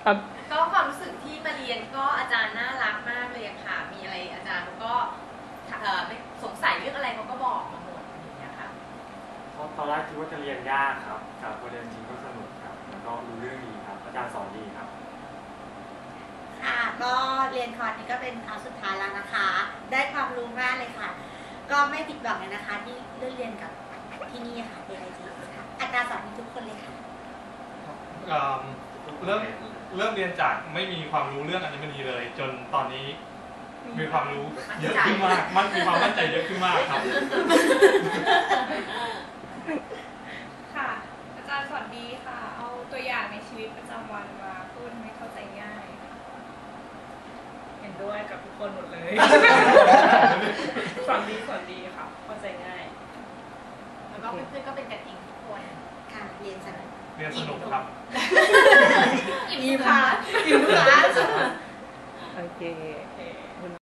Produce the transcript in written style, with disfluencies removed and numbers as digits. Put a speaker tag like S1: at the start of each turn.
S1: ครับ
S2: ก็ความรู้สึกที่มาเรียนก็อาจารย์น่ารักมากเลยค่ะมีอะไรอาจารย์เขาก็ไม่สงสัยเรื่องอะไรเขาก็บอกมาหมดอย่างเงี้ยค่ะ
S3: ตอนแรกคิดว่าจะเรียนยากครับแต่พอเรียนจริงก็สนุกครับแล้วก็รู้เรื่องดีครับอาจารย์สอนดีครับ
S4: ค่ะก็เรียนคอร์สนี้ก็เป็นครั้งสุดท้ายแล้วนะคะ ได้ความรู้มากเลยค่ะ ก็ไม่ผิดหวังเลยนะคะที่เลือกเรียนกับที่นี่ค่ะ AIT ค่ะอาจารย์สอนดีทุกคนเลยค่ะ
S5: เริ่มเรียนจากไม่มีความรู้เรื่องอัญมณีเลย จนตอนนี้มีความรู้เยอะขึ้นมากมีความมั่นใจเยอะขึ้นมากครับ
S6: ค่ะอาจารย์สอนดีค่ะเอาตัวอย่างในชีวิตประจำวันมาพูดให้เข้าใจง่ายเห็นด้วยกับทุกคนหมดเลย สอนดีค่ะเข้าใจง่าย
S2: แล้วก็เพื่อนๆก็เป็นกันเองทุกคน
S4: ค่ะเรียนสนุก
S5: เรียนสนุกครับ
S2: อิ่มค่ะ
S4: อยู่ค่ะ
S1: โอเค